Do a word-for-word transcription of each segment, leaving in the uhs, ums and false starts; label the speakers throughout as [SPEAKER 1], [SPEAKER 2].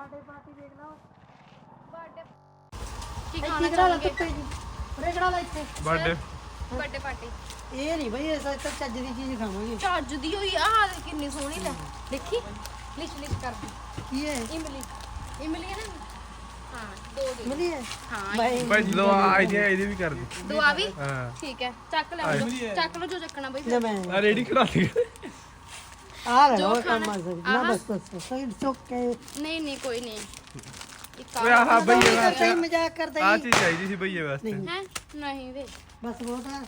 [SPEAKER 1] Birthday party देख लो
[SPEAKER 2] birthday ਕੀ ਖਾਣਾ ਚਾਹੋਗੇ
[SPEAKER 1] ਰੇਗੜਾ ਲੈ ਇੱਥੇ
[SPEAKER 3] ਬਰਥਡੇ
[SPEAKER 2] ਬਰਥਡੇ ਪਾਰਟੀ
[SPEAKER 1] ਇਹ ਨਹੀਂ ਬਈ ਐਸਾ ਤਾਂ ਚੱਜ ਦੀ ਚੀਜ਼ ਖਾਵਾਂਗੇ
[SPEAKER 2] ਚੱਜ ਦੀ ਹੋਈ ਆ ਕਿੰਨੀ ਸੋਹਣੀ ਲੈ ਦੇਖੀ ਲਿਚ ਲਿਚ ਕਰਦੀ
[SPEAKER 1] ਕੀ ਹੈ
[SPEAKER 2] ਇਮਲੀ ਇਮਲੀ ਹੈ ਨਾ ਹਾਂ ਦੋ ਦੇ
[SPEAKER 1] ਮਿਲੀ ਹੈ
[SPEAKER 2] ਹਾਂ
[SPEAKER 1] ਬਾਈ
[SPEAKER 3] ਭਾਈ ਦੋ ਆਈਡੀਆ ਇਹਦੀ ਵੀ ਕਰ ਦੇ
[SPEAKER 2] ਦੋ ਆ ਵੀ
[SPEAKER 3] ਹਾਂ
[SPEAKER 2] ਠੀਕ ਹੈ ਚੱਕ ਲੈ ਲਓ ਚੱਕ ਲਓ ਜੋ ਚੱਕਣਾ ਬਈ
[SPEAKER 1] ਲੈ ਮੈਂ
[SPEAKER 3] ਆ ਰੈਡੀ ਕਰਾ ਲਈ
[SPEAKER 1] ਆ ਲੈ
[SPEAKER 2] ਜੋ
[SPEAKER 1] ਲਓ
[SPEAKER 2] ਖਾਣਾ-
[SPEAKER 1] ਕੰਮ ਆ ਸਕਦਾ ਨਾ
[SPEAKER 2] ਆਹਾ।
[SPEAKER 1] ਬਸ ਬਸ ਸਹੀ ਚੁੱਕੇ
[SPEAKER 2] ਨਹੀਂ ਨਹੀਂ ਕੋਈ ਨਹੀਂ ਇੱਕ
[SPEAKER 3] ਓਏ ਆਹ ਬਈਏ
[SPEAKER 1] ਸਹੀ
[SPEAKER 3] ਵਾਸਤੇ
[SPEAKER 1] ਮਜ਼ਾਕ ਕਰਦਾ
[SPEAKER 3] ਆ
[SPEAKER 1] ਜੀ
[SPEAKER 3] ਚੀਜ਼ ਚਾਹੀਦੀ ਸੀ ਬਈਏ ਵਾਸਤੇ
[SPEAKER 2] ਹੈ ਨਹੀਂ ਵੇ
[SPEAKER 1] ਬਸ ਬਹੁਤ ਆ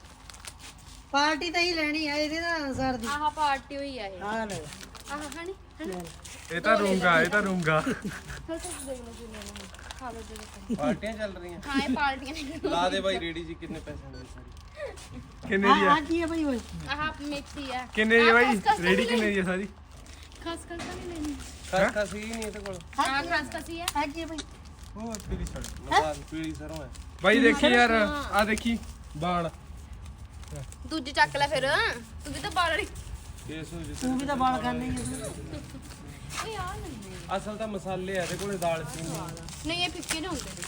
[SPEAKER 1] ਪਾਰਟੀ ਤਾਂ ਹੀ ਲੈਣੀ ਆ ਇਹਦੇ ਨਾਲ ਅਨਸਾਰ ਦੀ
[SPEAKER 2] ਆਹ ਪਾਰਟੀ ਹੋਈ ਆ ਇਹ
[SPEAKER 1] ਆ ਲੈ
[SPEAKER 2] ਆਹ ਹਣੀ ਹਣੀ
[SPEAKER 3] ਇਹ ਤਾਂ ਰੂੰਗਾ ਇਹ ਤਾਂ ਰੂੰਗਾ
[SPEAKER 2] ਫਿਰ ਤੁਸੀਂ ਦੇਖ ਲਓ ਜੀ ਲੈਣਾ ਹੈ। ਖਾ ਲਓ ਜੀ
[SPEAKER 4] ਪਾਰਟੀਆਂ ਚੱਲ ਰਹੀਆਂ
[SPEAKER 2] ਹਾਂ ਇਹ ਪਾਰਟੀਆਂ ਨੇ
[SPEAKER 4] ਲਾ ਦੇ ਬਾਈ ਰੇਡੀ ਜੀ ਕਿੰਨੇ ਪੈਸੇ ਦੇ ਸਾਰੀ
[SPEAKER 3] ਕਿੰਨੇ ਦੀ
[SPEAKER 1] ਆ
[SPEAKER 3] ਆ
[SPEAKER 1] ਆ ਕੀ ਹੈ ਬਈ ਓਏ
[SPEAKER 2] ਆਹ ਮਿਕਸੀ ਆ
[SPEAKER 3] ਕਿੰਨੇ ਦੀ ਆ ਬਾਈ
[SPEAKER 2] ਖਸ ਖਸ
[SPEAKER 3] ਰੈਡੀ
[SPEAKER 2] ਤਾਂ
[SPEAKER 3] ਕਿੰਨੇ ਦੀ ਆ ਸਾਰੀ
[SPEAKER 2] ਖਸ ਖਸ ਤਾਂ ਨਹੀਂ ਲੈਣੀ
[SPEAKER 4] ਖਸ ਖਸ ਹੀ ਨਹੀਂ ਇਹਦੇ ਕੋਲ
[SPEAKER 2] ਹਾਂ ਖਸ ਖਸੀ ਆ
[SPEAKER 1] ਆ ਕੀ ਹੈ ਬਈ
[SPEAKER 4] ਉਹ ਪੀਲੀ ਛੜ ਲਗਾ ਪੀਲੀ ਸਰੋਂ ਹੈ
[SPEAKER 3] ਬਾਈ ਦੇਖੀ ਯਾਰ ਆ ਦੇਖੀ ਬਾਲ
[SPEAKER 2] ਦੂਜੀ ਚੱਕ ਲੈ ਫਿਰ ਤੂੰ ਵੀ ਤਾਂ ਬਾਲ ਵਾਲੀ
[SPEAKER 4] ਕੇਸ ਹੋ ਜਿੱਤੇ
[SPEAKER 1] ਤੂੰ ਵੀ ਤਾਂ ਬਾਲ ਖਾਣੇ ਹੀ ਆ
[SPEAKER 2] ਓਏ ਆ ਨਹੀਂ
[SPEAKER 4] ਅਸਲ ਤਾਂ ਮਸਾਲੇ ਆ ਇਹਦੇ ਕੋਲੇ ਦਾਲ ਚੀਨੀ
[SPEAKER 2] ਨਹੀਂ ਇਹ ਫਿੱਕੇ ਨਹੀਂ ਹੁੰਦੇ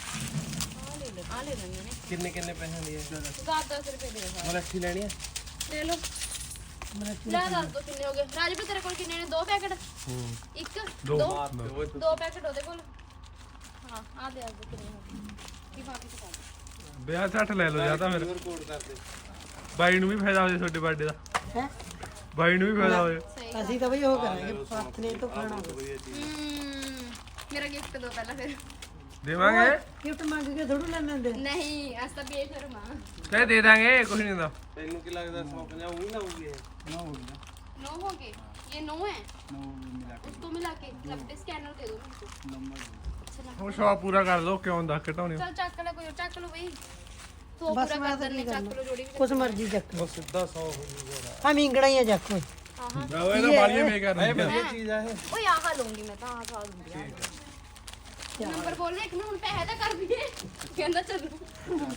[SPEAKER 2] ਆ ਲੈ ਲੈ ਆ ਲੈ ਲੈਣੇ ਨੇ
[SPEAKER 4] ਕਿੰਨੇ ਕਿੰਨੇ ਪੈਸਿਆਂ ਦੀ ਹੈ
[SPEAKER 2] ਦਸ ਦਸ ਰੁਪਏ ਦੇ ਦੇ
[SPEAKER 4] ਮਲੱਠੀ ਲੈਣੀ ਹੈ
[SPEAKER 2] ਲੈ ਲਓ ਲੈ ਦੱਸ ਦੋ ਕਿੰਨੇ ਹੋ ਗਏ ਰਾਜਵੀਰ ਤੇਰੇ ਕੋਲ ਕਿੰਨੇ ਨੇ ਦੋ ਪੈਕਟ ਇੱਕ
[SPEAKER 3] ਦੋ
[SPEAKER 2] ਦੋ
[SPEAKER 4] ਮਾਰ ਤੇ ਓਏ
[SPEAKER 2] ਦੋ ਪੈਕਟ ਉਹਦੇ ਕੋਲ ਹਾਂ ਆ ਦੇ ਆ ਦੇ ਕਿੰਨੇ ਹੋ ਗਏ ਕੀ ਬਾਕੀ ਤਾਂ ਕਰ
[SPEAKER 3] ਵਿਆਹ ਸੱਠ ਲੈ ਲਓ ਜਾਂ ਤਾਂ ਫਿਰ
[SPEAKER 4] ਰਿਕਾਰਡ ਕਰ ਦੇ
[SPEAKER 3] ਬਾਈ ਨੂੰ ਵੀ ਫਾਇਦਾ ਹੋ ਜਾਏ ਤੁਹਾਡੇ ਬਰਥਡੇ ਦਾ
[SPEAKER 1] ਹੈ
[SPEAKER 3] ਬਾਈ ਨੂੰ ਵੀ ਫਾਇਦਾ ਹੋ ਜਾਏ
[SPEAKER 2] ਸਹੀ
[SPEAKER 1] ਅਸੀਂ ਤਾਂ ਬਈ ਉਹ ਕਰਾਂਗੇ ਪਾਥਨੇ ਤੋਂ ਖਾਣਾ
[SPEAKER 2] ਹਮ, ਮੇਰਾ ਗਿਫਟ ਦੋ ਪਹਿਲਾਂ ਫਿਰ
[SPEAKER 3] ਦੇਵਾਂਗੇ
[SPEAKER 1] ਗਿਫਟ ਮੰਗ ਕੇ ਥੋੜੂ ਲੈਣ ਦਿੰਦੇ
[SPEAKER 2] ਨਹੀਂ ਅਸ ਤਾਂ ਬੇਸ਼ਰਮ ਆ
[SPEAKER 3] ਕਹੇ ਦੇ ਦਾਂਗੇ ਕੁਝ ਨਹੀਂ ਹੁੰਦਾ
[SPEAKER 4] ਤੈਨੂੰ ਕੀ ਲੱਗਦਾ ਸੌ ਪੰਜਾਹ ਉਹੀ ਲਾਉਗੀ ਇਹ ਨਾ ਹੋਊਗਾ
[SPEAKER 2] नौ हो गए ये नौ है उसको मिला के नब्बे स्कैनर दे दो मेरे को
[SPEAKER 3] ਹੁਣ ਸ਼ੌਪ ਪੂਰਾ ਕਰ ਲਓ ਕਿਉਂ ਦਾ ਘਟਾਉਣੇ
[SPEAKER 2] चल चक ले कोई चक लो भाई तो
[SPEAKER 1] बस
[SPEAKER 2] पूरा
[SPEAKER 1] मैं
[SPEAKER 2] कर
[SPEAKER 1] तो
[SPEAKER 2] देने
[SPEAKER 1] नहीं
[SPEAKER 2] चक लो जोड़ी भी
[SPEAKER 1] ਕੁਛ ਮਰਜ਼ੀ ਚੱਕ
[SPEAKER 4] ਉਹ ਸਿੱਧਾ ਸੌ ਹੋ ਜੂਗਾ
[SPEAKER 1] ਆ ਮਿੰਗਣਾ ਹੀ ਆ ਚੱਕ ਓਏ
[SPEAKER 2] हां हां
[SPEAKER 3] ਬਰਾਵੋ ਇਹ ਤਾਂ ਬਾਲੀਆਂ ਮੇ ਕਰ
[SPEAKER 4] ਇਹ ਵਧੀਆ ਚੀਜ਼ ਆ ਇਹ
[SPEAKER 2] ओए आहा लूंगी मैं तो आहा खा लूंगी यार नंबर बोल ले एक ना हुन पैसे दा कर दिए कहंदा चलो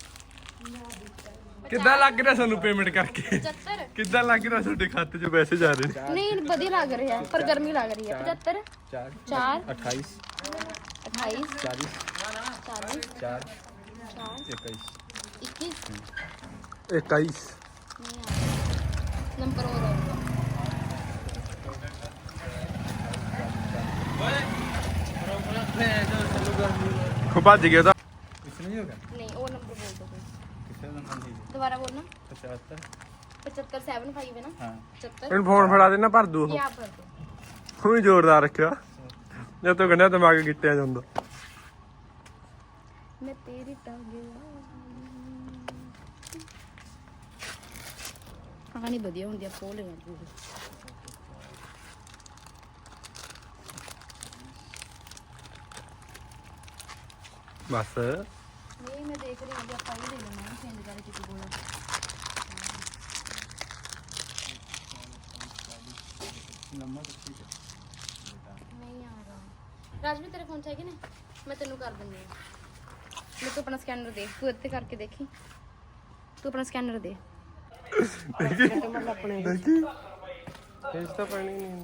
[SPEAKER 3] ਕਿੱਦਾਂ ਲੱਗ ਰਿਹਾ ਸਾਨੂੰ ਪੇਮੈਂਟ ਕਰਕੇ
[SPEAKER 2] पचहत्तर
[SPEAKER 3] ਕਿੱਦਾਂ ਲੱਗ ਰਿਹਾ ਤੁਹਾਡੇ ਖਾਤੇ 'ਚ ਪੈਸੇ ਜਾ ਰਹੇ ਨੇ
[SPEAKER 2] नहीं बढ़िया लग रही है पर गर्मी लग रही है पचहत्तर
[SPEAKER 4] ਚਾਰ
[SPEAKER 2] चार
[SPEAKER 4] अट्ठाईस
[SPEAKER 2] अट्ठाईस
[SPEAKER 4] चालीस
[SPEAKER 2] चालीस
[SPEAKER 4] चार
[SPEAKER 2] चार
[SPEAKER 4] इक्कीस
[SPEAKER 2] इक्कीस
[SPEAKER 3] इक्कीस
[SPEAKER 2] नंबर और होगा
[SPEAKER 3] ਖੋ ਭੱਜ ਗਿਆ ਤਾਂ
[SPEAKER 4] कुछ नहीं होगा
[SPEAKER 2] नहीं वो नंबर बोल दो कोई
[SPEAKER 4] किसका नंबर दीजिए
[SPEAKER 2] दोबारा बोलना
[SPEAKER 4] पचहत्तर
[SPEAKER 2] पचहत्तर सेवन फाइव है ना
[SPEAKER 4] हाँ
[SPEAKER 2] पचहत्तर
[SPEAKER 3] ਇਹਨੂੰ ਫੋਨ ਫੜਾ ਦੇਣਾ ਭਰ ਦੂ ਉਹ
[SPEAKER 2] ये आप भर दो
[SPEAKER 3] ਤੂੰ ਵੀ ਜ਼ੋਰਦਾਰ ਰੱਖਿਆ ਜਦ ਤੂੰ ਕਹਿੰਦਾ ਦਿਮਾਗ ਗਿੱਟਿਆ ਜਾਂਦਾ
[SPEAKER 2] मैं तेरी टांगे कहानी बढ़िया होंगी आप बोल रहे
[SPEAKER 3] ਬਸ
[SPEAKER 2] नहीं मैं देख रही हूँ आप ही ले लेना चेंज कर किसी को नहीं आ रहा राजवीर तेरे फोन चाहिए ना मैं तेनू कर दूंगी मैं तू अपना स्कैनर दे तू इतने करके देखी तू अपना स्कैनर दे
[SPEAKER 1] ਆਪਣੇ
[SPEAKER 4] तेज तो पानी नहीं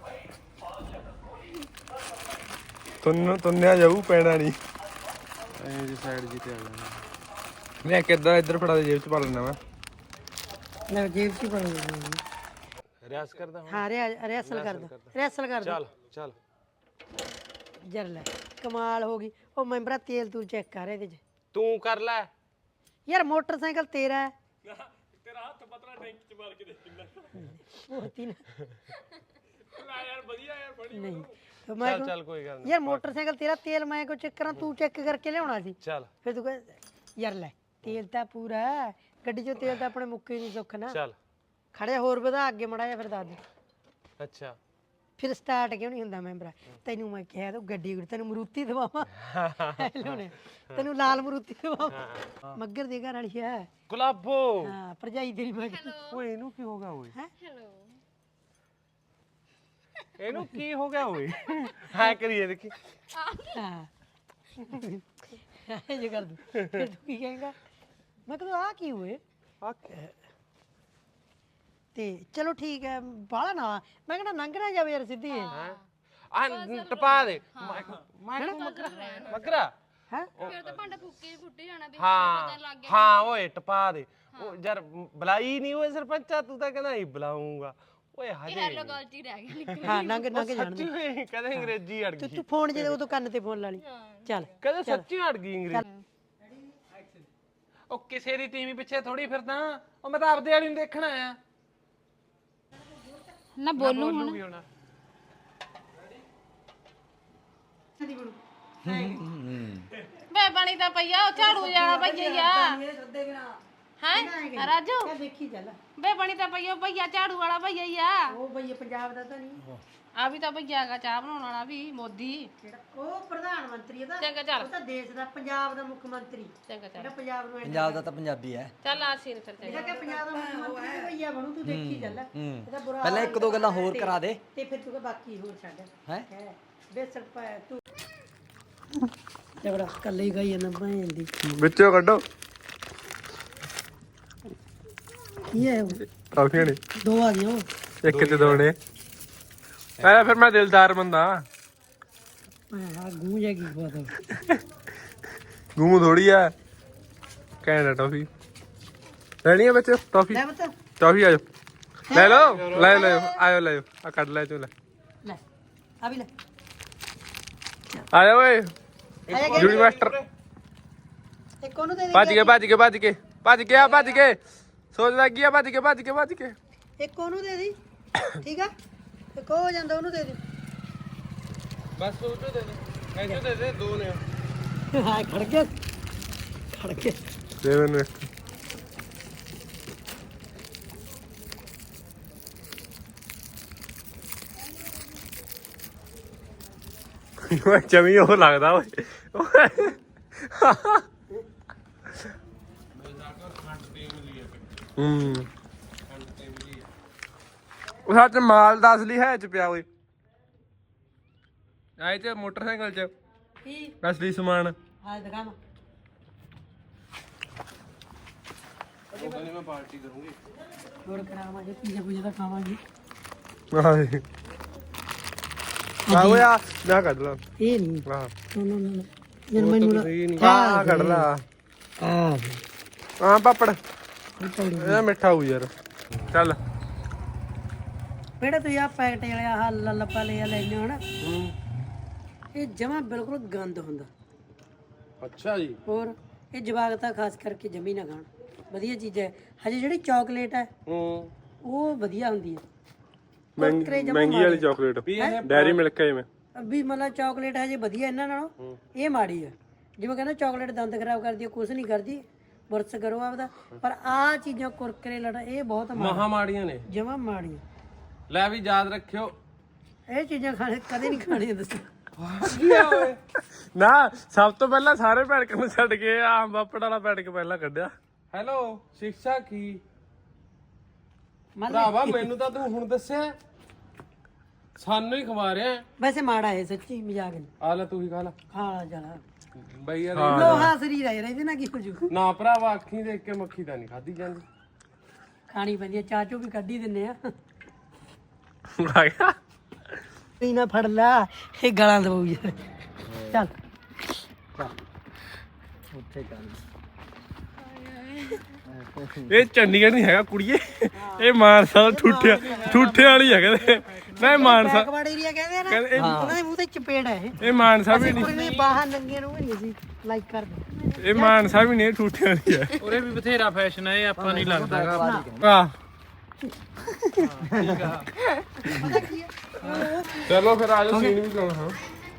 [SPEAKER 3] ਤੁੰਨ ਤੁੰਨਿਆ ਜਾਊ ਪੈਣਾ ਨਹੀਂ
[SPEAKER 4] है जी साइड जी ते आ जाना
[SPEAKER 3] ਮੈਂ ਕਿੱਦਾਂ ਇੱਧਰ ਫੜਾ ਦੇ ਜੇਬ 'ਚ ਪਾ ਲੈਣਾ ਮੈਂ
[SPEAKER 1] ਲੈ ਜੇਬ 'ਚ ਹੀ ਪਾ ਲਓ
[SPEAKER 4] रियाज करदा हूं
[SPEAKER 1] ਹਾਂ ਰਿਆ ਰਿਹਸਲ ਕਰਦਾ ਰਿਹਸਲ ਕਰਦਾ
[SPEAKER 4] चल चल
[SPEAKER 1] ਜਰ ਲੈ ਕਮਾਲ ਹੋ ਗਈ ਉਹ ਮੈਂਬਰਾ ਤੇਲ ਤੂੰ ਚੈੱਕ ਕਰ ਇਹਦੇ 'ਚ
[SPEAKER 4] तू कर ले
[SPEAKER 1] ਯਾਰ ਮੋਟਰਸਾਈਕਲ ਤੇਰਾ ਹੈ ਤੇਰਾ ਹੱਥ ਪਤਲਾ ਟੈਂਕ 'ਚ ਮਾਰ ਕੇ ਦੇਖ ਕਿੰਨਾ ਉਹ ਤੀ ਨਾ ਯਾਰ ਵਧੀਆ ਯਾਰ ਬੜੀ ਨਹੀਂ ਤੇ ਮੈਂ
[SPEAKER 4] चल चल कोई गल नहीं
[SPEAKER 1] ਯਾਰ ਮੋਟਰਸਾਈਕਲ ਤੇਰਾ ਤੇਲ ਮੈਂ ਕੋ ਚੈੱਕ ਕਰਾਂ ਤੂੰ ਚੈੱਕ ਕਰਕੇ ਲਿਆਉਣਾ ਸੀ
[SPEAKER 4] चल
[SPEAKER 1] ਫਿਰ ਤੂੰ ਕਹੇ ਯਾਰ ਲੈ ਤੇਲ ਤਾਂ ਪੂਰਾ ਹੈ, ਗੱਡੀ 'ਚੋਂ ਤੇਲ ਤਾਂ ਆਪਣੇ ਮੁੱਕੇ ਨਹੀਂ ਸੁੱਖ ਨਾ
[SPEAKER 4] चल
[SPEAKER 1] ਖੜਿਆ ਹੋਰ ਵਧਾ ਅੱਗੇ ਮੜਾ ਜਾ ਫਿਰ ਦੱਸ ਦੇ
[SPEAKER 4] अच्छा
[SPEAKER 1] ਫਿਰ ਸਟਾਰਟ ਕਿਉਂ ਨਹੀਂ ਹੁੰਦਾ ਮੈਂਬਰਾ ਤੈਨੂੰ ਮੈਂ ਕਿਹਾ ਤੂੰ ਗੱਡੀ ਗੁੱਡੀ ਤੈਨੂੰ ਮਰੂਤੀ ਦਵਾਵਾਂ ਲੋਨੇ ਤੈਨੂੰ ਲਾਲ ਮਰੂਤੀ ਦਵਾਵਾਂ ਮੱਗਰ ਦੇ ਘਰ ਵਾਲੀ ਹੈ
[SPEAKER 4] गुलाबो
[SPEAKER 1] ਹਾਂ ਭਰਜਾਈ ਤੇਰੀ ਮੈਂ
[SPEAKER 4] ओए इनु की होगा ओए
[SPEAKER 2] हेलो
[SPEAKER 4] इनु की हो गया ओए हां करिए देखी
[SPEAKER 1] ਹਾਂ ਇਹ ਜੇ ਕਰ ਦੂੰ ਫਿਰ ਤੂੰ ਕੀ ਕਹੇਗਾ ਮੈਂ ਕਹਿੰਦਾ ਆ ਕੀ ਹੋਏ ਤੇ ਚਲੋ ਠੀਕ ਹੈ ਬਾਹਲਾ ਨਾ ਮੈਂ ਕਹਿੰਦਾ ਲੰਘ ਨਾ ਜਾਵੇ ਯਾਰ ਸਿੱਧੀ
[SPEAKER 4] हैं ਆ ਟਪਾ ਦੇ ਮੈਂ ਮਗਰਾ ਮਗਰਾ
[SPEAKER 1] ਹੈ
[SPEAKER 2] ਫਿਰ ਤਾਂ ਭਾਂਡਾ ਫੁੱਕੇ ਫੁੱਟੇ ਜਾਣਾ ਵੀ
[SPEAKER 4] ਹਾਂ
[SPEAKER 2] ਪਤਾ ਲੱਗ ਗਿਆ
[SPEAKER 4] ਹਾਂ ਓਏ ਟਪਾ ਦੇ ਉਹ ਯਾਰ ਬੁਲਾਈ ਨਹੀਂ ਓਏ ਸਰਪੰਚਾ ਤੂੰ ਤਾਂ ਕਹਿੰਦਾ ਹੀ ਬੁਲਾਉਂਗਾ ਓਏ
[SPEAKER 2] ਇਹ
[SPEAKER 4] ਹਜੇ
[SPEAKER 2] ਹੈਲੋ ਗੱਲ ਚ ਹੀ ਰਹਿ ਗਿਆ ਨਿਕਲ
[SPEAKER 1] ਹਾਂ ਨੰਗ ਨੰਗ ਜਾਣ
[SPEAKER 4] ਸੱਚੀ ਓਏ ਕਦੇ ਅੰਗਰੇਜ਼ੀ ਅੜ
[SPEAKER 1] ਤੂੰ
[SPEAKER 4] ਗਈ
[SPEAKER 1] ਤੂੰ ਫੋਨ ਜੇ ਉਦੋਂ ਕੰਨ ਤੇ ਫੋਨ ਲਾ ਲਈ ਚੱਲ
[SPEAKER 4] ਕਦੇ ਸੱਚੀ ਅੜ ਗਈ ਅੰਗਰੇਜ਼ੀ ਉਹ ਕਿਸੇ ਦੀ ਟੀਵੀ ਪਿੱਛੇ ਥੋੜੀ ਫਿਰਦਾ ਉਹ ਮੈਂ ਤਾਂ ਆਪਦੇ ਵਾਲੀ ਨੂੰ ਦੇਖਣ ਆਇਆ
[SPEAKER 2] ਨਾ ਬੋਲੂ ਹੁਣ
[SPEAKER 4] ਵੀ ਹੋਣਾ
[SPEAKER 2] ਵੇ ਬਣੀ ਤਾਂ ਪਈਆ ਉਹ ਝਾੜੂ ਜਾਣਾ ਭਈਆ ਹੈ ਰਾਜੂ
[SPEAKER 1] ਦੇਖੀ ਚੱਲ
[SPEAKER 2] ਵੇ ਬਣੀ ਤਾਂ ਪਈਆ ਭਈਆ ਝਾੜੂ ਵਾਲਾ ਭਈਆ ਆ
[SPEAKER 1] ਉਹ ਬਈ ਪੰਜਾਬ ਦਾ ਤਾਂ ਨਹੀਂ
[SPEAKER 2] ਆ ਵੀ ਤਾਂ ਭਈਆ ਹੈਗਾ ਚਾਹ ਬਣਾਉਣ ਵਾਲਾ ਵੀ ਮੋਦੀ
[SPEAKER 1] ਉਹ ਪ੍ਰਧਾਨ ਮੰਤਰੀ ਇਹਦਾ
[SPEAKER 2] ਚੰਗਾ ਚੱਲ
[SPEAKER 1] ਉਹ ਤਾਂ ਦੇਸ਼ ਦਾ ਪੰਜਾਬ ਦਾ ਮੁੱਖ ਮੰਤਰੀ
[SPEAKER 2] ਚੰਗਾ ਚੱਲ
[SPEAKER 1] ਜਿਹੜਾ ਪੰਜਾਬ ਨੂੰ
[SPEAKER 5] ਪੰਜਾਬ ਦਾ ਤਾਂ ਪੰਜਾਬੀ ਹੈ।
[SPEAKER 2] ਚੱਲ ਆ ਸੀਨ ਫਿਰ ਚੰਗਾ
[SPEAKER 1] ਇਹਦਾ ਕਿ ਪੰਜਾਬ ਦਾ ਮੁੱਖ ਮੰਤਰੀ ਭਈਆ ਬਣੂ ਤੂੰ ਦੇਖੀ ਚੱਲ ਇਹਦਾ ਬੁਰਾ
[SPEAKER 5] ਪਹਿਲਾਂ ਇੱਕ ਦੋ ਗੱਲਾਂ ਹੋਰ ਕਰਾ ਦੇ
[SPEAKER 1] ਤੇ ਫਿਰ ਤੂੰ ਕਹ ਬਾਕੀ ਹੋਰ ਛੱਡ
[SPEAKER 5] ਹੈ
[SPEAKER 1] ਹੈ ਬੇਸਰ ਪਾ ਤੂੰ ਜਬੜਾ ਕੱਲੇ ਹੀ ਗਈ ਜਾਂਦਾ ਭੈਣ ਦੀ
[SPEAKER 3] ਵਿੱਚੋਂ ਕੱਢੋ
[SPEAKER 1] ਕੀ ਹੈ ਉਹ?
[SPEAKER 3] ਟਰਾਫੀਆਂ ਨੇ
[SPEAKER 1] ਦੋ ਆ ਗਈਆਂ ਉਹ
[SPEAKER 3] ਇੱਕ ਤੇ ਦੋ ਨੇ ਐ ਫਿਰ ਮੈਂ ਦਿਲਦਾਰ ਬੰਦਾ
[SPEAKER 1] ਹਾਂ ਗੂੰ ਜਾ ਕੀ ਪਤਾ
[SPEAKER 3] ਗੂੰ ਥੋੜੀ ਆ ਕੈਨੇਡਾ ਟਾਫੀ ਲੈਣੀ ਆ ਵਿੱਚ ਟਾਫੀ
[SPEAKER 1] ਲੈ ਬਤਾ
[SPEAKER 3] ਟਾਫੀ ਆ ਜਾਓ ਲੈ ਲਓ ਲੈ ਲੈ ਆਇਓ ਲੈ ਆ ਕੱਢ ਲੈ ਤੂੰ ਲੈ
[SPEAKER 1] ਲੈ ਆ ਵੀ ਲੈ
[SPEAKER 3] ਆ ਜਾ ਓਏ ਜੂੜੀ ਮਾਸਟਰ
[SPEAKER 1] ਇੱਕ ਉਹਨੂੰ ਦੇ
[SPEAKER 3] ਭੱਜ ਕੇ ਭੱਜ ਕੇ ਭੱਜ ਕੇ ਭੱਜ ਕੇ ਆ ਭੱਜ ਕੇ ਸੋਚ ਲੱਗੀ ਆ ਭੱਜ ਕੇ ਭੱਜ ਕੇ ਭੱਜ ਕੇ
[SPEAKER 1] ਦੇ ਇੱਕ ਉਹਨੂੰ ਦੇ ਦੀ ਠੀਕ ਆ ਇੱਕ ਉਹ ਹੋ ਜਾਂਦਾ ਉਹਨੂੰ ਦੇ ਦੇ
[SPEAKER 4] ਬਸ ਉਹ ਤੋਂ ਦੇ ਦੇ ਐਂ ਦੇ ਦੇ ਦੋ ਨੇ
[SPEAKER 1] ਹਾਂ ਖੜ ਗਿਆ ਖੜ ਗਿਆ
[SPEAKER 3] ਦੇ ਮੈਨੂੰ ਇੱਕ। ਓਏ ਜਮੀ ਉਹ ਲੱਗਦਾ ਓਏ ਹੂੰ ਉਹ ਸੱਚ ਮਾਲ ਦਾ ਅਸਲੀ ਹੈ ਚ ਪਿਆ ਓਏ ਆਏ ਤੇ ਮੋਟਰਸਾਈਕਲ ਚ
[SPEAKER 1] ਕੀ
[SPEAKER 3] ਅਸਲੀ ਸਮਾਨ
[SPEAKER 1] ਹਾਂ ਦਿਖਾਵਾਂ
[SPEAKER 4] ਉਹਦਾ ਨਹੀਂ ਮੈਂ ਪਾਰਟੀ ਕਰੂੰਗੀ
[SPEAKER 1] ਹੋਰ ਕਰਾਵਾਂਗੇ ਪੀਜ਼ਾ ਪੂਜਾ ਤਾਂ ਖਾਵਾਂਗੇ
[SPEAKER 3] ਆਏ ਆ ਓਏ ਆ ਮੈਂ ਕੱਢ ਲਾ
[SPEAKER 1] ਇਹ ਨਹੀਂ
[SPEAKER 3] ਆਹ
[SPEAKER 1] ਨੋ ਨੋ ਨੋ ਜਨ ਮੈਨੂੰ
[SPEAKER 3] ਆ ਕੱਢ ਲਾ
[SPEAKER 1] ਆ
[SPEAKER 3] ਹਾਂ ਪਾਪੜ
[SPEAKER 1] ਪੌੜੀ
[SPEAKER 3] ਇਹ ਮਿੱਠਾ ਹੋਊ ਯਾਰ ਚੱਲ
[SPEAKER 1] ਬੇੜਾ ਤੂੰ ਆ ਪੈਕਟ ਵਾਲੇ ਆਹ ਲੱਲਪਾ ਲੈ ਲੈਣੇ ਹੋ ਨਾ ਇਹ ਜਮਾ ਬਿਲਕੁਲ ਗੰਦ ਹੁੰਦਾ
[SPEAKER 4] ਅੱਛਾ ਜੀ
[SPEAKER 1] ਹੋਰ ਇਹ ਜਵਾਕ ਤਾਂ ਖਾਸ ਕਰਕੇ ਜਮੀ ਨਾ ਖਾਣ ਵਧੀਆ ਚੀਜ਼ ਹੈ ਹਜੇ ਜਿਹੜੀ ਚਾਕਲੇਟ ਹੈ
[SPEAKER 4] ਹੂੰ
[SPEAKER 1] ਉਹ ਵਧੀਆ ਹੁੰਦੀ ਹੈ
[SPEAKER 3] ਮਹਿੰਗੀ ਮਹਿੰਗੀ ਵਾਲੀ ਚਾਕਲੇਟ ਡੈਰੀ ਮਿਲਕ ਹੈ ਜਿਵੇਂ
[SPEAKER 1] ਵੀ ਮਤਲਬ ਚਾਕਲੇਟ ਹਜੇ ਵਧੀਆ ਇਹਨਾਂ ਨਾਲੋਂ ਇਹ ਮਾੜੀ ਹੈ ਜਿਵੇਂ ਕਹਿੰਦਾ ਚਾਕਲੇਟ ਦੰਦ ਖਰਾਬ ਕਰਦੀ ਹੈ ਕੁਝ ਨਹੀਂ ਕਰਦੀ ਬੁਰਸ ਕਰੋ ਆਪਦਾ ਪਰ ਆਹ ਚੀਜ਼ਾਂ ਕੁਰਕਰੇ ਲੜਾ ਇਹ ਬਹੁਤ
[SPEAKER 4] ਮਹਾ ਮਾੜੀਆਂ ਨੇ
[SPEAKER 1] ਜਮਾ ਮਾੜੀ
[SPEAKER 4] ਲੈ ਵੀ ਯਾਦ ਰੱਖਿਓ
[SPEAKER 1] ਇਹ ਚੀਜ਼ਾਂ ਖਾਣੇ ਕਦੇ ਨਹੀਂ ਖਾਣੀਆਂ ਦੱਸੋ
[SPEAKER 3] ਨਾ ਸਭ ਤੋਂ ਪਹਿਲਾਂ ਸਾਰੇ ਪੈੜਕ ਨੂੰ ਛੱਡ ਕੇ ਆ ਪਾਪੜ ਵਾਲਾ ਪੈੜਕ ਪਹਿਲਾਂ ਕੱਢਿਆ
[SPEAKER 4] ਹੈਲੋ ਸਿੱਖਿਆ ਕੀ
[SPEAKER 1] ਮੰਨ
[SPEAKER 4] ਭਰਾਵਾ ਮੈਨੂੰ ਤਾਂ ਤੂੰ ਹੁਣ ਦੱਸਿਆ ਸਾਨੂੰ ਹੀ ਖਵਾ ਰਿਹਾ
[SPEAKER 1] ਵੈਸੇ ਮਾੜਾ ਹੈ ਸੱਚੀ ਮਜ਼ਾਕ ਨਹੀਂ
[SPEAKER 4] ਆ ਲੈ ਤੂੰ ਹੀ ਖਾ ਲੈ
[SPEAKER 1] ਖਾ ਜਾਣਾ
[SPEAKER 4] ਬਈ ਯਾਰ
[SPEAKER 1] ਲੋਹਾ ਸਰੀਰ ਹੈ ਇਹਦੇ ਨਾਲ ਕੀ ਹੋ ਜੂ
[SPEAKER 4] ਨਾ ਭਰਾਵਾ ਅੱਖੀਂ ਦੇਖ ਕੇ ਮੱਖੀ ਤਾਂ ਨਹੀਂ ਖਾਧੀ ਜਾਂਦੀ
[SPEAKER 1] ਖਾਣੀ ਪੈਂਦੀ ਹੈ ਚਾਚੂ ਵੀ ਕੱਢੀ ਦਿੰਨੇ ਆ
[SPEAKER 3] ਆ ਗਿਆ
[SPEAKER 1] ਤੀ ਨਾ ਫੜ ਲਾ ਇਹ ਗਾਲਾਂ ਦਵਾਉ ਯਾਰ ਚੱਲ ਉੱਥੇ ਚੱਲ
[SPEAKER 3] ਇਹ ਚੰਡੀਗੜ੍ਹ ਨਹੀਂ ਹੈਗਾ ਕੁੜੀਏ ਇਹ ਮਾਨਸਾ ਠੂਠਿਆ ਠੂਠੇ ਵਾਲੀ ਹੈਗਾ ਤੇ ਮੈਂ ਮਾਨਸਾ
[SPEAKER 1] ਬੈਕਵਰਡ ਏਰੀਆ ਕਹਿੰਦੇ ਆ ਨਾ
[SPEAKER 3] ਕਹਿੰਦੇ ਇਹ-
[SPEAKER 1] ਉਹਨਾਂ ਦੇ ਮੂੰਹ ਤੇ ਚਪੇੜ ਹੈ ਇਹ
[SPEAKER 3] ਇਹ ਮਾਨਸਾ ਵੀ ਨਹੀਂ
[SPEAKER 1] ਕੁੜੀ ਬਾਹਰ ਨੰਗੀਆਂ ਨੂੰ ਵੀ ਨਹੀਂ ਸੀ ਲਾਈਕ ਕਰਦੇ
[SPEAKER 3] ਇਹ ਮਾਨਸਾ ਵੀ ਨਹੀਂ ਠੂਠੇ ਵਾਲੀ ਹੈ
[SPEAKER 4] ਉਰੇ ਵੀ ਬਥੇਰਾ ਫੈਸ਼ਨ ਹੈ ਇਹ ਆਪਾਂ ਨਹੀਂ ਲੱਗਦਾ
[SPEAKER 3] ਆ
[SPEAKER 1] ਪਤਾ ਕੀ ਹੈ
[SPEAKER 3] ਚਲੋ ਫਿਰ ਆ ਜਾਓ ਸੀਨ ਵੀ ਲਾਉਣਾ ਹਾਂ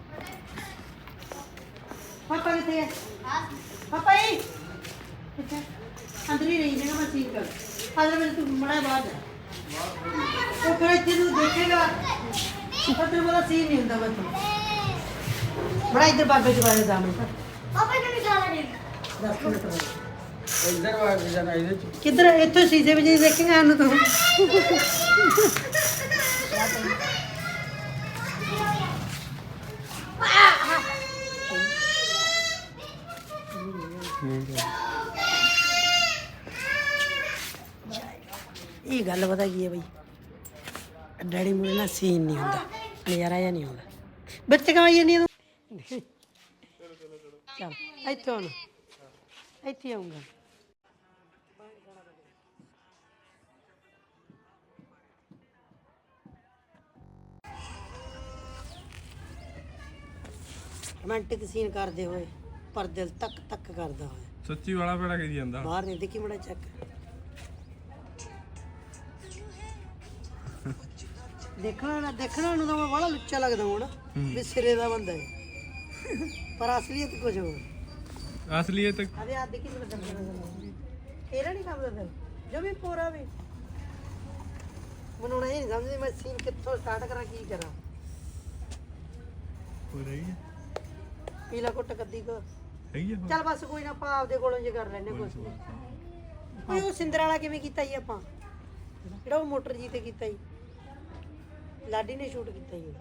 [SPEAKER 1] ਪਾਪਾ ਕਿੱਥੇ ਹੈ ਪਾਪਾ ਜੀ ਕਿੱਥੇ ਅੰਦਰ ਹੀ ਰਹੀ ਜਗਾ ਮੈਂ ਸੀਨ ਕਰ ਆਦਰ ਮੈਨੂੰ ਤੂੰ ਮੜਾ ਬਾਹਰ ਜਾ ਉਹ ਫਿਰ ਇੱਥੇ ਨੂੰ ਦੇਖੇਗਾ ਪਰ ਤੇਰੇ ਵਾਲਾ ਸੀਨ ਨਹੀਂ ਹੁੰਦਾ ਬੱਤ ਬੜਾ ਇੱਧਰ ਬਾਬੇ ਦੇ ਬਾਰੇ ਦਾ ਮੈਂ ਪਾਪਾ ਕਿਹਨੇ ਜਾਣਾ ਨਹੀਂ ਦਸ ਮਿੰਟ ਬਾਅਦ
[SPEAKER 4] ਇੱਧਰ ਵਾਰ ਜਾਣਾ ਇਹਦੇ ਚ
[SPEAKER 1] ਕਿੱਧਰ ਇੱਥੋਂ ਸ਼ੀਸ਼ੇ ਵਿੱਚ ਹੀ ਦੇਖੇਗਾ ਇਹਨੂੰ ਤੂੰ ਇਹ ਗੱਲ ਪਤਾ ਕੀ ਹੈ ਬਈ ਡੈਡੀ ਮੂਰੇ ਨਾਲ ਸੀਨ ਨਹੀਂ ਹੁੰਦਾ ਨਜ਼ਾਰਾ ਜਿਹਾ ਨਹੀਂ ਹੁੰਦਾ ਬੱਚੇ ਕਮਾਈ ਜਾਂਦੀ ਤੂੰ ਚੱਲ ਇੱਥੇ ਆਉਣਾ ਇੱਥੇ ਆਉਂਗਾ ਰੋਮਾਂਟਿਕ ਸੀਨ ਕਰਦੇ ਹੋਏ ਪਰ ਦਿਲ ਤੱਕ ਤੱਕ ਕਰਦਾ ਹੋਇਆ
[SPEAKER 3] ਸੱਚੀ ਵਾਲਾ ਪੇੜਾ ਕਰੀ ਜਾਂਦਾ
[SPEAKER 1] ਬਾਹਰ ਨਹੀਂ ਦੇਖੀ ਮੜਾ ਚੱਕ ਦੇਖਣਾ ਨਾ ਦੇਖਣਾ ਨੂੰ ਤਾਂ ਮੈਂ ਬੜਾ ਲੁੱਚਾ ਲੱਗਦਾ ਹੁਣ ਵੀ ਸਿਰੇ ਦਾ ਬੰਦਾ ਹੈ ਪਰ ਅਸਲੀਅਤ ਕੁਝ ਹੋਰ
[SPEAKER 3] ਅਸਲੀ ਇਹ ਤਾਂ
[SPEAKER 1] ਅਰੇ ਆ ਦੇਖੀ ਮੈਨੂੰ ਦੰਦ ਇਹਦਾ ਨਹੀਂ ਕੰਮ ਕਰਦਾ ਜੋ ਵੀ ਪੂਰਾ ਵੀ ਮੈਨੂੰ ਨਹੀਂ ਸਮਝਦੀ ਮੈਂ ਸੀਨ ਕਿੱਥੋਂ ਸਟਾਰਟ ਕਰਾਂ ਕੀ ਕਰਾਂ
[SPEAKER 3] ਹੋ ਰਹੀ ਹੈ
[SPEAKER 1] ਪੀਲਾ ਕੁੱਟ ਕੱਦੀ ਕੋ
[SPEAKER 3] ਹੈਗੀ ਆ
[SPEAKER 1] ਚੱਲ ਬਸ ਕੋਈ ਨਾ ਆਪਾਂ ਆਪਦੇ ਕੋਲੋਂ ਜੇ ਕਰ ਲੈਣੇ ਕੁਛ ਕੋਈ ਉਹ ਸਿੰਦਰ ਵਾਲਾ ਕਿਵੇਂ ਕੀਤਾ ਜੀ ਆਪਾਂ ਜਿਹੜਾ ਉਹ ਮੋਟਰ ਜੀ ਤੇ ਕੀਤਾ ਜੀ ਲਾਡੀ ਨੇ ਸ਼ੂਟ ਕੀਤਾ ਜੀ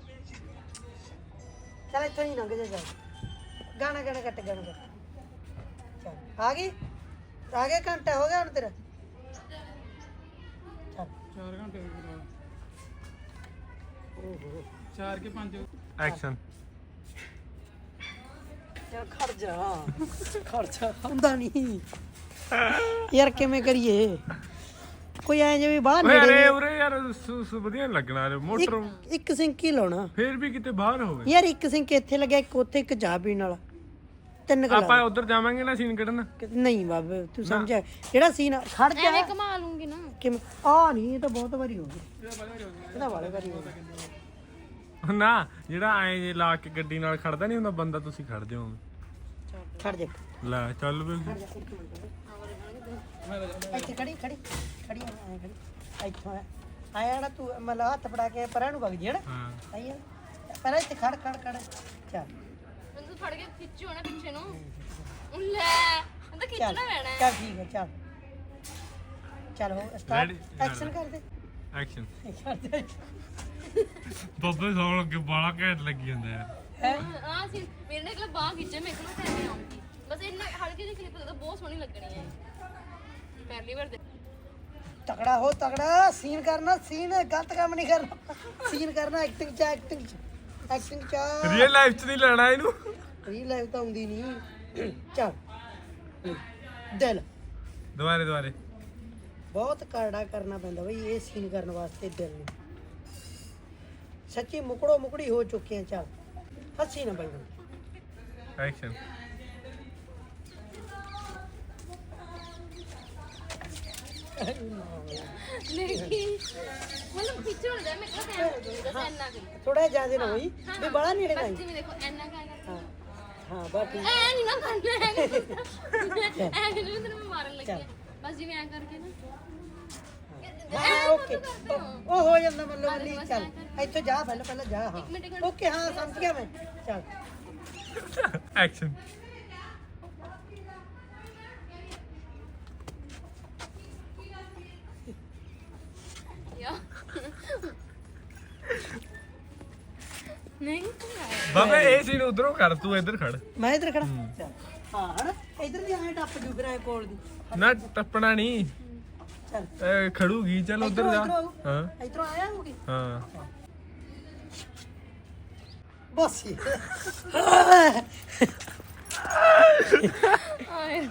[SPEAKER 1] ਚੱਲ ਇੱਥੋਂ ਹੀ ਲੰਘ ਜਾ ਜਾ ਗਾਣਾ ਗਾਣਾ ਕੱਟ ਗਾਣਾ ਕੱਟ ਚੱਲ ਆ ਗਈ ਆ ਗਿਆ ਘੰਟਾ ਹੋ ਗਿਆ ਹੁਣ ਤੇਰਾ ਚੱਲ
[SPEAKER 4] ਚਾਰ ਘੰਟੇ ਹੋ ਗਏ ਚਾਰ ਕੇ ਪੰਜ
[SPEAKER 3] ਐਕਸ਼ਨ
[SPEAKER 1] ਚੱਲ ਖੜ ਜਾ ਖੜ ਜਾ ਹੁੰਦਾ ਨਹੀਂ ਯਾਰ ਕਿਵੇਂ ਕਰੀਏ ਕੋਈ ਐ ਜਿਵੇਂ ਬਾਹਰ
[SPEAKER 3] ਓਏ
[SPEAKER 1] ਨੇੜੇ
[SPEAKER 3] ਅਰੇ ਉਰੇ ਯਾਰ ਸੁ- ਸੁ- ਵਧੀਆ ਨੀ ਲੱਗਣਾ ਰੇ ਮੋਟਰ
[SPEAKER 1] ਇੱਕ- ਇੱਕ ਸਿੰਕ ਹੀ ਲਾਉਣਾ
[SPEAKER 3] ਫੇਰ ਵੀ ਕਿਤੇ ਬਾਹਰ ਹੋਵੇ
[SPEAKER 1] ਯਾਰ ਇੱਕ ਸਿੰਕ ਇੱਥੇ ਲੱਗਿਆ ਇੱਕ ਉੱਥੇ ਇੱਕ ਚਾਹ ਪੀਣ ਵਾਲਾ ਤਿੰਨ ਕਲਾ
[SPEAKER 3] ਆਪਾਂ ਉਧਰ ਜਾਵਾਂਗੇ ਨਾ ਸੀਨ ਕੱਢਣ
[SPEAKER 1] ਨਹੀਂ ਬਾਬੇ ਤੂੰ ਸਮਝਿਆ ਜਿਹੜਾ ਸੀਨ ਖੜ ਜਾ
[SPEAKER 2] ਐਵੇਂ ਕਮਾ ਲੂੰਗੀ ਨਾ
[SPEAKER 1] ਕਿਵੇਂ ਆ ਨਹੀਂ ਇਹ ਤਾਂ ਬਹੁਤ ਵਾਰੀ ਹੋ ਗਿਆ ਇਹਦਾ ਵਾਲੇ ਵਾਰੀ ਹੋ ਗਿਆ
[SPEAKER 3] ਨਾ ਜਿਹੜਾ ਐ ਜੇ ਲਾ ਕੇ ਗੱਡੀ ਨਾਲ ਖੜਦਾ ਨਹੀਂ ਹੁੰਦਾ ਬੰਦਾ ਤੁਸੀਂ ਖੜਦੇ ਹੋ
[SPEAKER 1] ਖੜ ਜਾ
[SPEAKER 3] ਲੈ ਚੱਲ ਵੀ
[SPEAKER 1] ਇੱਥੇ ਖੜੀ ਖੜੀ ਖੜੀ ਐ ਖੜੀ ਇੱਥੋਂ ਆਇਆ ਨਾ ਤੂੰ ਮਤਲਬ ਹੱਥ ਫੜਾ ਕੇ ਪਰਾਂ ਨੂੰ ਵਗ ਜੀ ਹਣਾ
[SPEAKER 3] ਹਾਂ
[SPEAKER 1] ਆਈ ਆ ਪਹਿਲਾਂ ਇੱਥੇ ਖੜ ਖੜ ਖੜ ਚੱਲ
[SPEAKER 2] ਮੈਨੂੰ ਤੂੰ ਫੜ ਕੇ ਖਿੱਚੋ ਨਾ ਪਿੱਛੇ ਨੂੰ ਉਹ ਲੈ ਮੈਨੂੰ ਤਾਂ ਖਿੱਚਣਾ ਪੈਣਾ ਹੈ।
[SPEAKER 1] ਚੱਲ ਠੀਕ ਹੈ ਚੱਲ ਚੱਲ ਹੋ ਸਟਾਰਟ
[SPEAKER 3] Ready?
[SPEAKER 1] ਐਕਸ਼ਨ ਕਰ ਦੇ
[SPEAKER 3] ਐਕਸ਼ਨ
[SPEAKER 1] ਕਰ ਦੇ
[SPEAKER 3] ਬੱਬੇ ਸੌਣ ਲੱਗੇ ਬਾਲਾ ਘੈਂਟ ਲੱਗੀ ਜਾਂਦਾ ਯਾਰ
[SPEAKER 2] ਆ ਸੀ ਮੇਰੇ ਨੇ ਇੱਕ ਬਾਹ ਖਿੱਚੇ ਮੇਰੇ ਕੋਲ ਤਾਂ ਐਵੇਂ ਆਉਂਦੀ ਬਸ ਇੰਨਾ ਹਲਕੀ ਜਿਹੀ ਕਲਿੱਪ ਦੇ ਬਹੁਤ ਸੋਹਣੀ ਲੱਗਣੀ ਹੈ ਪਹਿਲੀ ਵਾਰ ਦੇ
[SPEAKER 1] ਤਕੜਾ ਹੋ ਤਕੜਾ ਸੀਨ ਕਰਨਾ ਸੀਨ ਗਲਤ ਕੰਮ ਨਹੀਂ ਕਰਨਾ ਸੀਨ ਕਰਨਾ ਐਕਟਿੰਗ ਚ ਐਕਟਿੰਗ ਚ ਐਕਟਿੰਗ ਚ
[SPEAKER 3] ਰੀਅਲ ਲਾਈਫ ਚ ਨਹੀਂ ਲੈਣਾ ਇਹਨੂੰ
[SPEAKER 1] ਰੀਲ ਲਾਈਫ ਤਾਂ ਆਉਂਦੀ ਨਹੀਂ ਚੱਲ ਦਿਲ
[SPEAKER 3] ਦੁਬਾਰੇ ਦੁਬਾਰੇ
[SPEAKER 1] ਬਹੁਤ ਕਰੜਾ ਕਰਨਾ ਪੈਂਦਾ ਬਈ ਇਹ ਸੀਨ ਕਰਨ ਵਾਸਤੇ ਦਿਲ ਨੂੰ ਸੱਚੀ ਮੁਕੜੋ ਮੁਕੜੀ ਹੋ ਚੁੱਕੇ ਆ ਚੱਲ ਹੱਸੀ ਨਾ ਬਈ
[SPEAKER 3] ਐਕਸ਼ਨ
[SPEAKER 2] ਨਹੀਂ ਮਤਲਬ ਖਿੱਚੋ ਨਾ ਜਾ ਮੈਂ ਕਿਹਾ ਟਾਈਮ ਹੋ ਜਾਊਗਾ ਬਸ ਇੰਨਾ ਕੁ
[SPEAKER 1] ਥੋੜਾ ਜਿਆਦਾ ਨਾ ਹੋਈ ਵੀ ਬੜਾ ਨੇੜੇ
[SPEAKER 2] ਬਸ
[SPEAKER 1] ਨਹੀਂ
[SPEAKER 2] ਜਿਵੇਂ ਦੇਖੋ ਇੰਨਾ ਕਾ
[SPEAKER 1] ਹਾਂ ਹਾਂ ਬਸ ਠੀਕ
[SPEAKER 2] ਐ ਨਹੀਂ ਨਾ ਕਰਨਾ ਐ ਐ ਜਿਵੇਂ ਤੈਨੂੰ ਮੈਂ ਮਾਰਨ ਲੱਗੀ ਆ ਬਸ ਜਿਵੇਂ ਐ ਕਰਕੇ ਨਾ
[SPEAKER 1] ਹਾਂ ਓਕੇ ਉਹ ਹੋ ਜਾਂਦਾ ਮਤਲਬ ਨਹੀਂ ਚੱਲ ਇੱਥੋਂ ਜਾ ਪਹਿਲਾਂ ਪਹਿਲਾਂ ਜਾ ਹਾਂ
[SPEAKER 2] ਮਿੰਟ, ਇੱਕ ਮਿੰਟ।
[SPEAKER 1] ਓਕੇ ਹਾਂ ਸਮਝ ਗਿਆ ਮੈਂ ਚੱਲ
[SPEAKER 3] ਐਕਸ਼ਨ
[SPEAKER 2] ਯਾ ਨਹੀਂ
[SPEAKER 3] ਬਾਬੇ ਇਹ ਸੀਨ ਉਧਰੋਂ ਕਰ ਤੂੰ ਇੱਧਰ ਖੜ
[SPEAKER 1] ਮੈਂ ਇੱਧਰ ਖੜਾ ਚੱਲ ਹਾਂ ਹਣ ਇੱਧਰ ਦੀ ਐਂ ਟੱਪ ਜੂ ਫਿਰ ਐ ਕੋਲ ਦੀ
[SPEAKER 3] ਨਾ ਟੱਪਣਾ ਨਹੀਂ
[SPEAKER 1] ਚੱਲ
[SPEAKER 3] ਇਹ ਖੜੂਗੀ ਚੱਲ ਉਧਰ ਜਾ
[SPEAKER 1] ਇੱਧਰੋਂ,
[SPEAKER 3] ਹਾਂ
[SPEAKER 1] ਇੱਧਰੋਂ ਆਇਆ ਹੋਗੀ
[SPEAKER 3] ਹਾਂ
[SPEAKER 1] ਬਸ ਹੀ।
[SPEAKER 2] ਆਏ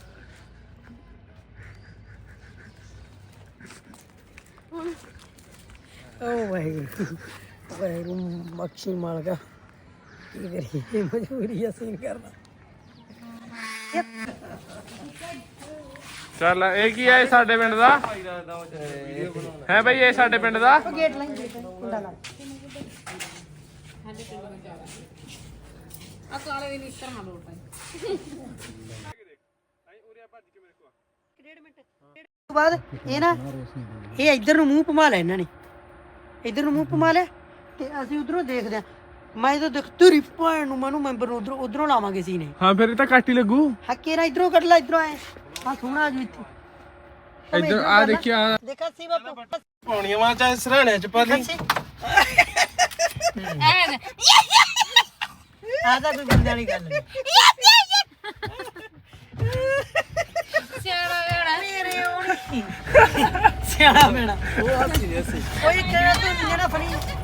[SPEAKER 1] ਓ ਵਾਹਿਗੁਰੂ ਵਾਹਿਗੁਰੂ ਮੱਖੀ ਮਾਲਕਾ ਕੀ ਕਰੀਏ ਮਜਬੂਰੀ ਆ ਸੀਨ ਕਰਨਾ
[SPEAKER 3] ਚੱਲ ਇਹ ਕੀ ਹੈ ਸਾਡੇ ਪਿੰਡ ਦਾ ਹੈ ਬਈ ਇਹ ਸਾਡੇ ਪਿੰਡ ਦਾ
[SPEAKER 1] ਗੇਟ ਲਾਈ ਕੁੰਡਾ ਲਾ
[SPEAKER 2] ਆ ਕਾਲੇ ਦੀ ਨੀਤਰ ਨਾ ਲੋਟ ਆਈ
[SPEAKER 1] ਤੋਂ ਬਾਅਦ ਇਹ ਨਾ ਇਹ ਇੱਧਰ ਨੂੰ ਮੂੰਹ ਘੁਮਾ ਲਿਆ ਇਹਨਾਂ ਨੇ ਇੱਧਰ ਨੂੰ ਮੂੰਹ ਘੁਮਾ ਲਿਆ ਤੇ ਅਸੀਂ ਉਧਰੋਂ ਦੇਖਦੇ ਆ ਮੈਂ ਤਾਂ ਦੇਖ ਤੇਰੀ ਭੈਣ ਨੂੰ ਮੈਨੂੰ ਮੈਂਬਰ ਨੂੰ ਉਧਰੋਂ ਉਧਰੋਂ ਲਾਵਾਂਗੇ ਸੀ ਨੇ
[SPEAKER 3] ਹਾਂ ਫਿਰ ਇਹ ਤਾਂ ਕੱਟ ਹੀ ਲੱਗੂ
[SPEAKER 1] ਹੱਕੇ ਨਾ ਇਧਰੋਂ ਕੱਢ ਲੈ ਇਧਰੋਂ ਆਏ ਹਾਂ ਸੋਹਣਾ ਜੀ ਇੱਥੇ
[SPEAKER 3] ਇੱਧਰ ਆ ਦੇਖਿਆ
[SPEAKER 1] ਦੇਖਾ ਸੀ ਬਾਪੂ
[SPEAKER 3] ਪੌਣੀਆਂ ਵਾਂ ਚਾਹੇ ਸਰਾਣੇ ਚ ਪਾ ਲਈ
[SPEAKER 2] ਐ
[SPEAKER 1] ਆ ਤਾਂ ਕੋਈ ਬੰਦੇ ਵਾਲੀ ਗੱਲ ਨਹੀਂ
[SPEAKER 2] ਸਿਆਣਾ ਵੇੜਾ
[SPEAKER 1] ਮੇਰੇ ਉਹ ਸਿਆਣਾ ਮੇਣਾ ਉਹ ਹੱਸੀ ਹੱਸੀ ਕੋਈ ਕਿਹੜਾ ਤੂੰ ਜਿਹੜਾ ਫੜੀ